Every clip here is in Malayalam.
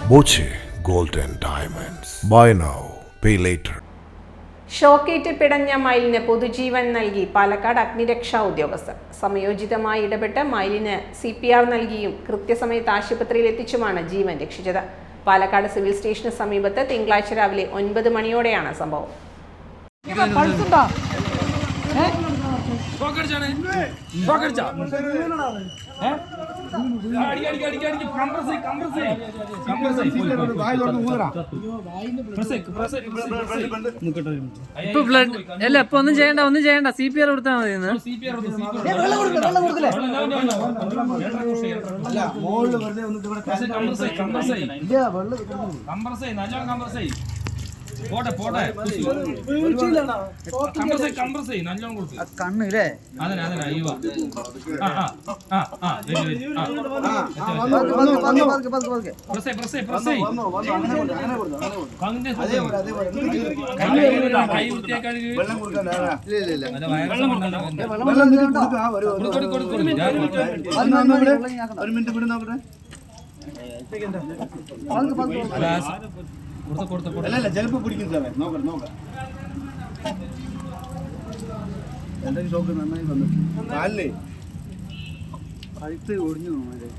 Boche gold and diamonds. Buy now, pay later. ഷോക്കേറ്റ് പിടഞ്ഞ മയിലിന് പൊതുജീവൻ നൽകി പാലക്കാട് അഗ്നിരക്ഷാ ഉദ്യോഗസ്ഥർ. സമയോചിതമായി ഇടപെട്ട് മയിലിന് CPR നൽകിയും കൃത്യസമയത്ത് ആശുപത്രിയിൽ എത്തിച്ചുമാണ് ജീവൻ രക്ഷിച്ചത്. പാലക്കാട് സിവിൽ സ്റ്റേഷന് സമീപത്ത് തിങ്കളാഴ്ച രാവിലെ 9 മണിയോടെയാണ് സംഭവം. ഇപ്പൊ ബ്ലഡ് അല്ല, ഇപ്പൊ ഒന്നും ചെയ്യണ്ട CPR കൊടുത്താൽ മതി. കണ്ണില്ലേ ചിലപ്പോ പിടിക്കും സാറേ. നോക്കാം എന്തെങ്കിലും ഷോക്ക് നന്നായി വന്നിട്ടുണ്ട്. അല്ലേ കഴുത്ത് ഒടിഞ്ഞു.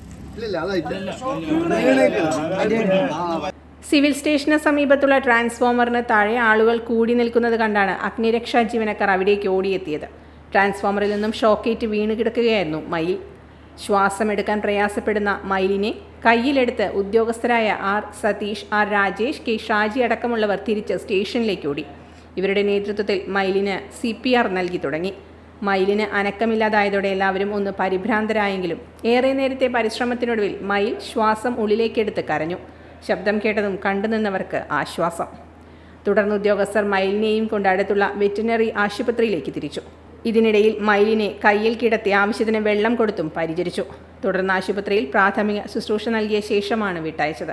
സിവിൽ സ്റ്റേഷന് സമീപത്തുള്ള ട്രാൻസ്ഫോമറിന് താഴെ ആളുകൾ കൂടി നിൽക്കുന്നത് കണ്ടാണ് അഗ്നിരക്ഷാ ജീവനക്കാർ അവിടേക്ക് ഓടിയെത്തിയത്. ട്രാൻസ്ഫോമറിൽ നിന്നും ഷോക്കേറ്റ് വീണ് കിടക്കുകയായിരുന്നു മയിൽ. ശ്വാസമെടുക്കാൻ പ്രയാസപ്പെടുന്ന മയിലിനെ കയ്യിലെടുത്ത് ഉദ്യോഗസ്ഥരായ R. Satheesh, R. Rajesh, K. Shaji അടക്കമുള്ളവർ തിരിച്ച് സ്റ്റേഷനിലേക്ക് ഓടി. ഇവരുടെ നേതൃത്വത്തിൽ മയിലിന് CPR നൽകി തുടങ്ങി. മയിലിന് അനക്കമില്ലാതായതോടെ എല്ലാവരും ഒന്ന് പരിഭ്രാന്തരായെങ്കിലും ഏറെ നേരത്തെ പരിശ്രമത്തിനൊടുവിൽ മയിൽ ശ്വാസം ഉള്ളിലേക്കെടുത്ത് കരഞ്ഞു. ശബ്ദം കേട്ടതും കണ്ടുനിന്നവർക്ക് ആശ്വാസം. തുടർന്ന് ഉദ്യോഗസ്ഥർ മയിലിനെയും കൊണ്ട് അടുത്തുള്ള വെറ്റിനറി ആശുപത്രിയിലേക്ക് തിരിച്ചു. ഇതിനിടയിൽ മയിലിനെ കയ്യിൽ കിടത്തി ആവശ്യത്തിന് വെള്ളം കൊടുത്തും പരിചരിച്ചു. തുടർന്ന് ആശുപത്രിയിൽ പ്രാഥമിക ശുശ്രൂഷ നൽകിയ ശേഷമാണ് വിട്ടയച്ചത്.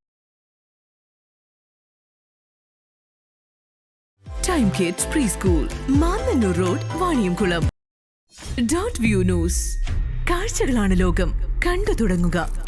Time kids preschool, Mannanur road, Vaniyamkulam. .view news. കാഴ്ചകളാണ് ലോകം, കണ്ടു തുടങ്ങുക.